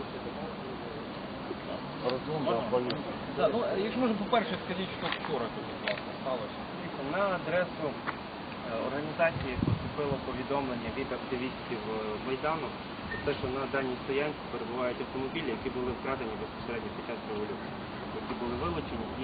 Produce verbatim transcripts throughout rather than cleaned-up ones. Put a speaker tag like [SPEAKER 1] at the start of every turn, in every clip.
[SPEAKER 1] Да, ну, якщо можна, по-перше, скажіть, що вчора тут власне сталося.
[SPEAKER 2] На адресу організації поступило повідомлення від активістів Майдану про те, що на даній стоянці перебувають автомобілі, які були вкрадені безпосередньо під час революції, які були вилучені і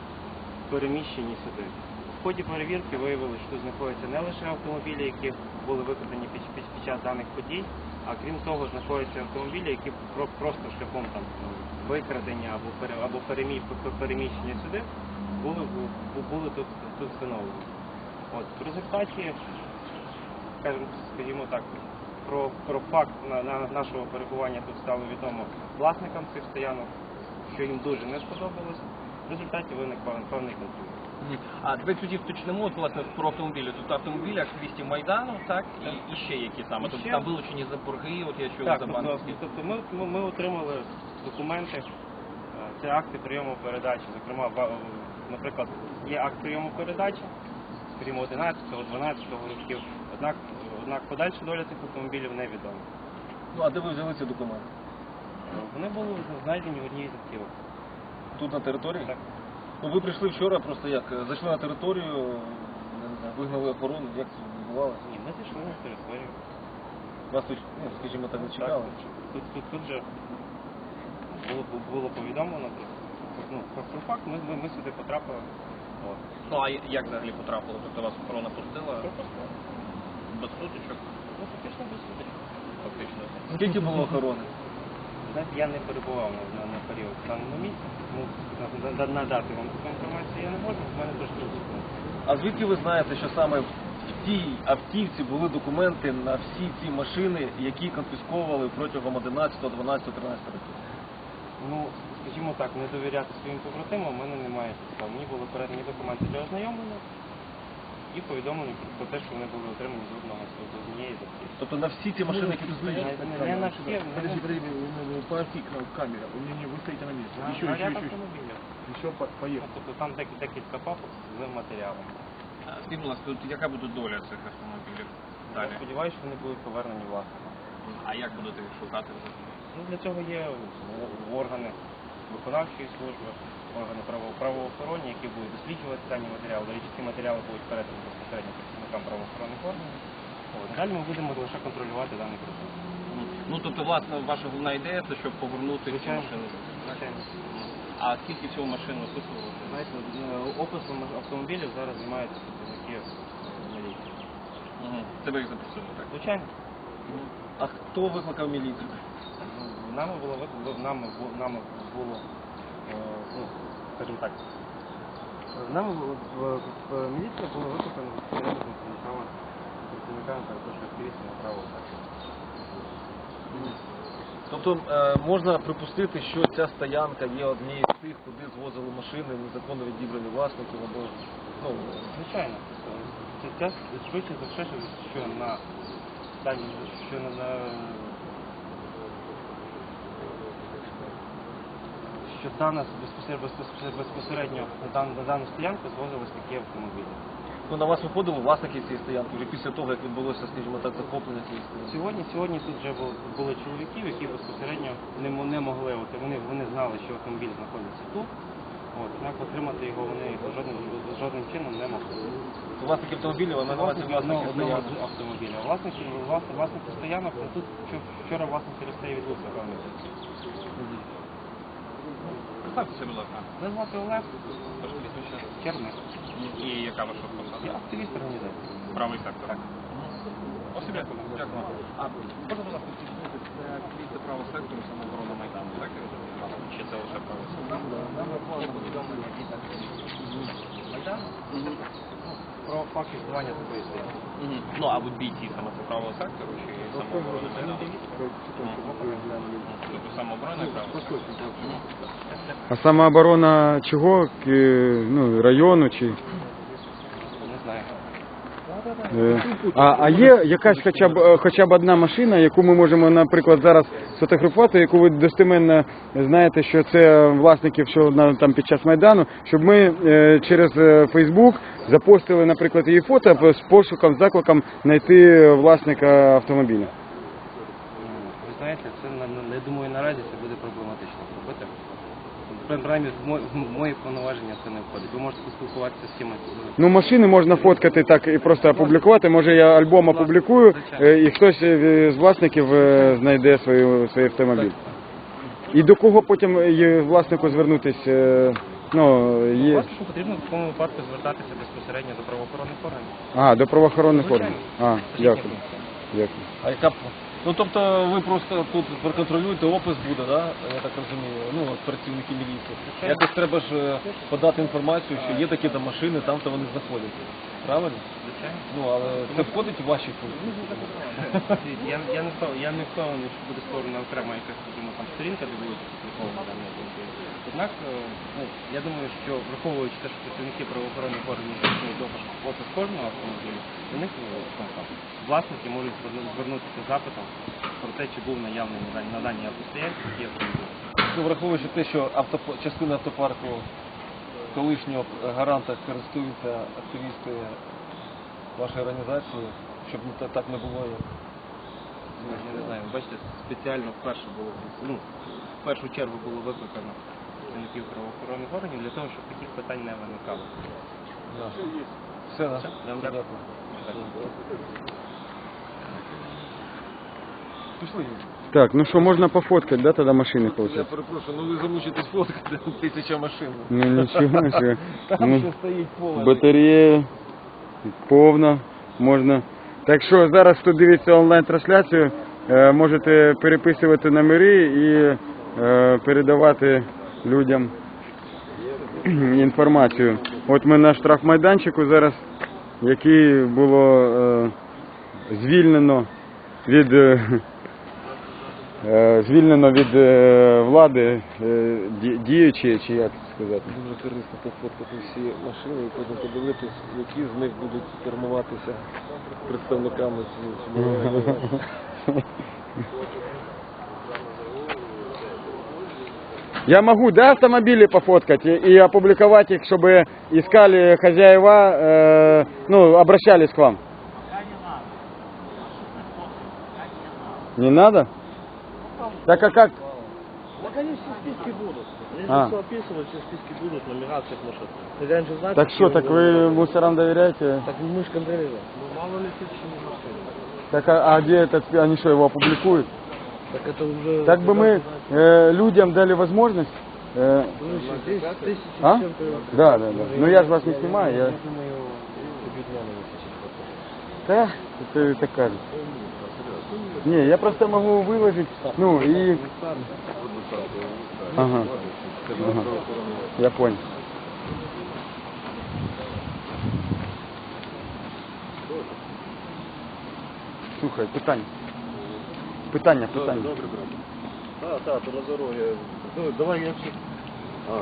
[SPEAKER 2] переміщені сюди. В ході перевірки виявилося, що тут знаходяться не лише автомобілі, які були викрадані під, під, під час даних подій, а крім того, знаходяться автомобілі, які про, просто шляхом там викрадення або, пере, або перемі, переміщення сюди були, були тут, тут встановлені. От, в результаті, скажімо, скажімо так, про, про факт на, на нашого перебування тут стало відомо власникам цих стоянок, що їм дуже не сподобалось. В результаті виник певний конфлікт.
[SPEAKER 1] А давайте тоді вточнемо, от, власне, про автомобілі. Тут автомобілі активістів Майдану, так? І, і ще які саме?
[SPEAKER 2] І
[SPEAKER 1] Тобто
[SPEAKER 2] ще...
[SPEAKER 1] там вилучені за борги, от я чув
[SPEAKER 2] так,
[SPEAKER 1] за
[SPEAKER 2] тобто,
[SPEAKER 1] банківські.
[SPEAKER 2] тобто ми, ми, ми отримали документи, це акти прийому передачі. Зокрема, наприклад, є акт прийому передачі, скажімо, одинадцятого, дванадцятого років. Однак, однак подальша доля цих автомобілів невідома.
[SPEAKER 1] Ну, а де ви взяли ці документи?
[SPEAKER 2] Вони були знайдені в одній з автівок.
[SPEAKER 1] Тут на території?
[SPEAKER 2] Так.
[SPEAKER 1] Ну, ви прийшли вчора, просто як, зайшли на територію, не знаю, вигнали охорону, як це відбувалося?
[SPEAKER 2] Ні, ми зайшли на територію.
[SPEAKER 1] Вас тут, ну, скажімо так, не чекали?
[SPEAKER 2] Так, тут, тут, тут же було, було повідомлено про, ну, про, про факт, ми, ми, ми сюди потрапили. От.
[SPEAKER 1] Ну, а як взагалі потрапило? Тобто вас охорона пустила?
[SPEAKER 2] Пропустили.
[SPEAKER 1] Без сутичок?
[SPEAKER 2] Ну, фактично без сутичок.
[SPEAKER 1] Фактично. Скільки було охорони?
[SPEAKER 2] Знаєте, я не перебував на, на, на період в даному місці, тому на, на, надати вам таку інформацію я не можу, в мене трошки розумно.
[SPEAKER 1] А звідки ви знаєте, що саме в тій автівці були документи на всі ці машини, які конфісковували протягом одинадцятого, дванадцятого, тринадцятого років?
[SPEAKER 2] Ну, скажімо так, не довіряти своїм побратимам у мене немає підстав. Мені були передані документи для ознайомлення і повідомлені про те, що вони були отримані з одного з однієї з автівок.
[SPEAKER 1] Тобто на всі ті машини, які тут стоять?
[SPEAKER 2] Не, не на всі,
[SPEAKER 3] Подожди, подожди, по оси камера, у меня не вы стоите на месте. Еще,
[SPEAKER 2] на
[SPEAKER 3] еще,
[SPEAKER 2] ряд
[SPEAKER 3] еще,
[SPEAKER 2] автомобілів.
[SPEAKER 3] еще по- поехал.
[SPEAKER 2] Тобто там дек- декілька папок з матеріалами.
[SPEAKER 1] Скажіть, будь ласка, тут яка буде доля цих автомобілів
[SPEAKER 2] Я сподіваюся, що вони будуть повернені власникам.
[SPEAKER 1] А як будете їх шукати?
[SPEAKER 2] Ну, для цього є органи виконавчої служби, органи право- правоохоронні, які будуть досліджувати дані матеріали. До речі, ці матеріали будуть передані безпосередньо працівникам правоохоронних органів. От. Далі ми будемо лише контролювати даний процес.
[SPEAKER 1] Ну, тобто, власне, ваша головна ідея це, щоб повернути ці
[SPEAKER 2] Звичайно.
[SPEAKER 1] машини.
[SPEAKER 2] Звичайно.
[SPEAKER 1] А скільки всього машин виписували?
[SPEAKER 2] Знаєте, описом автомобілів зараз займаються працівники міліції.
[SPEAKER 1] Угу. Це ви їх запросили, так?
[SPEAKER 2] Звичайно.
[SPEAKER 1] А хто викликав міліцію?
[SPEAKER 2] Нами було вик- нами, бу- нами було, е, ну, скажімо так, нами було- в, в міліція була викликана безпосередньо працівниками, працівниками перепрошую, активістами правого сектору.
[SPEAKER 1] Тобто е, можна припустити, що ця стоянка є однією з тих, куди звозили машини, незаконно відібрані власників або... Ну,
[SPEAKER 2] Звичайно, це, це швидше за все, що на дані, що на, на що дана безпосередньо, безпосередньо, безпосередньо на, дану, на дану стоянку звозились такі автомобілі.
[SPEAKER 1] ну, на вас виходили власники цієї стоянки вже після того, як відбулося, скажімо так, захоплення цієї стоянки?
[SPEAKER 2] Сьогодні, сьогодні тут вже були, були чоловіків, які безпосередньо не, мо- не могли, от, вони, вони знали, що автомобіль знаходиться тут, от, однак отримати його вони жодним, жодним чином не могли.
[SPEAKER 1] Власники автомобілів, а на увазі
[SPEAKER 2] Власники одного,
[SPEAKER 1] власники
[SPEAKER 2] одного
[SPEAKER 1] стоянки.
[SPEAKER 2] з автомобіля. Власники, власне, власники стоянок, ну, тут вчо- вчора власне через це і відбувся певний процес.
[SPEAKER 1] Представтеся, будь ласка.
[SPEAKER 2] Мене звати Олег
[SPEAKER 1] Ваше прізвище.
[SPEAKER 2] Черник.
[SPEAKER 1] І яка ваша посада?
[SPEAKER 2] Я активіст організації.
[SPEAKER 1] Правий сектор.
[SPEAKER 2] Так.
[SPEAKER 1] Спасибо. Дякую. А можна, будь ласка, підсунути, це активісти правого сектору, самооборона Майдану, так? Я розумію? Чи це лише правий сектор?
[SPEAKER 2] Є повідомлення від активістів Майдану про факт існування такої стоянки.
[SPEAKER 1] Ну, а от бійці саме це правого сектору чи самооборони Майдану? Тобто самооборона і правого сектору?
[SPEAKER 4] А самооборона чого? К- Ну, району чи?
[SPEAKER 2] Не знаю.
[SPEAKER 4] Е, А, а є якась хоча б е, хоча б одна машина, яку ми можемо, наприклад, зараз сфотографувати, яку ви достеменно знаєте, що це власників, що на там під час Майдану, щоб ми е, через е, Фейсбук запостили, наприклад, її фото з пошуком, закликом знайти власника автомобіля.
[SPEAKER 2] Ви знаєте, це на- на- я думаю, наразі це буде проблематично зробити. Принаймні, в мо- в мої повноваження це не входить. Ви можете поспілкуватися з кимось.
[SPEAKER 4] Ну, машини можна фоткати так і просто опублікувати. Може я альбом опублікую, е, і хтось е, з власників е, знайде свою, свій автомобіль. І до кого потім є власнику звернутися? е, Ну, є...
[SPEAKER 2] Власнику потрібно в такому випадку звертатися безпосередньо до правоохоронних органів.
[SPEAKER 4] А, до правоохоронних
[SPEAKER 2] Звичайно.
[SPEAKER 4] органів. А,
[SPEAKER 2] Це їхня
[SPEAKER 4] дякую.
[SPEAKER 2] функція.
[SPEAKER 4] Дякую.
[SPEAKER 1] А яка б- ну тобто ви просто тут проконтролюєте, опис буде, да? Я так розумію, ну от працівники міліції. Якось треба ж е, подати інформацію, що є такі там машини, там то вони знаходяться. Правильно?
[SPEAKER 2] Звичайно.
[SPEAKER 1] Ну але це входить у ваші функції.
[SPEAKER 2] Я, я, не впев- я не впевнений, що буде створена окрема якась скажімо, там сторінка, де буде опублікована дана інформація. Однак, е, ну, я думаю, що враховуючи те, що працівники правоохоронних органів здійснюють допуск опис кожного автомобіля, до них ну, там, там, власники можуть зверну- звернутися з запитом про те, чи був наявний на даній- на даній автостоянці такий автомобіль.
[SPEAKER 1] Ну, враховуючи те, що автоп... частина автопарку колишнього гаранта користуються активісти вашої організації, щоб не та- так не було. Як...
[SPEAKER 2] Ну, я не знаю, бачите, спеціально вперше було, ну, в першу чергу було викликано працівників правоохоронних органів для того, щоб таких питань не виникало.
[SPEAKER 1] Все, да?
[SPEAKER 2] Я вам
[SPEAKER 1] Дякую.
[SPEAKER 2] дякую.
[SPEAKER 1] Пішли.
[SPEAKER 4] Так, ну що, можна пофоткати, да, тоді машини,
[SPEAKER 1] Я
[SPEAKER 4] виходить?
[SPEAKER 1] перепрошую, ну ви замучитесь фоткати тисяча машин.
[SPEAKER 4] Ну нічого, що.
[SPEAKER 1] Там
[SPEAKER 4] Ну,
[SPEAKER 1] ще стоїть поле.
[SPEAKER 4] батарея повна, можна. Так що зараз, хто дивиться онлайн-трансляцію, е, можете переписувати номери і е, передавати людям інформацію. От ми на штрафмайданчику зараз, який було е, звільнено від е, е, звільнено від е, влади е, ді- діючі, чи як сказати.
[SPEAKER 1] Дуже корисно пофоткати всі машини і потім подивитись, які з них будуть кермуватися представниками цієї.
[SPEAKER 4] Я могу, да, автомобили пофоткать и, и опубликовать их, чтобы искали хозяева, э, ну, обращались к вам? Не надо? Так а как?
[SPEAKER 3] Так они все списки будут. Они же
[SPEAKER 4] А.
[SPEAKER 3] все описывают, все списки будут, номера всех машин. Хозяин же знает,
[SPEAKER 4] Так
[SPEAKER 3] какие
[SPEAKER 4] что,
[SPEAKER 3] у
[SPEAKER 4] так
[SPEAKER 3] него
[SPEAKER 4] вы
[SPEAKER 3] номера.
[SPEAKER 4] мусорам доверяете?
[SPEAKER 3] Так мы же контролируем. Ну мало ли тысячи машин.
[SPEAKER 4] Так а, а где этот, спи- они что, его опубликуют?
[SPEAKER 3] Так это уже...
[SPEAKER 4] Так бы мы э, людям дали возможность. э,
[SPEAKER 3] Слушай, здесь тысячи
[SPEAKER 4] а?
[SPEAKER 3] с чем-то...
[SPEAKER 4] Да, да, да. Ну я же вас не снимаю, я...
[SPEAKER 3] Я думаю, объединенные сейчас.
[SPEAKER 4] Да, это так кажется. Не, я просто могу выложить, ну и... Ага. Ага. Я понял. Слухай, питання. Питання, питання.
[SPEAKER 3] Добре, брат. Так, так, то на дорогі. Ну, давай я все... А.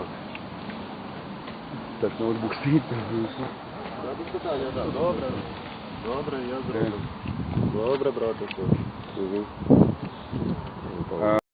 [SPEAKER 4] Так, ноутбук стоїть.
[SPEAKER 3] Да, без питання, так. Добре. Добре, я зроблю. Добре, братику. Угу.
[SPEAKER 4] А,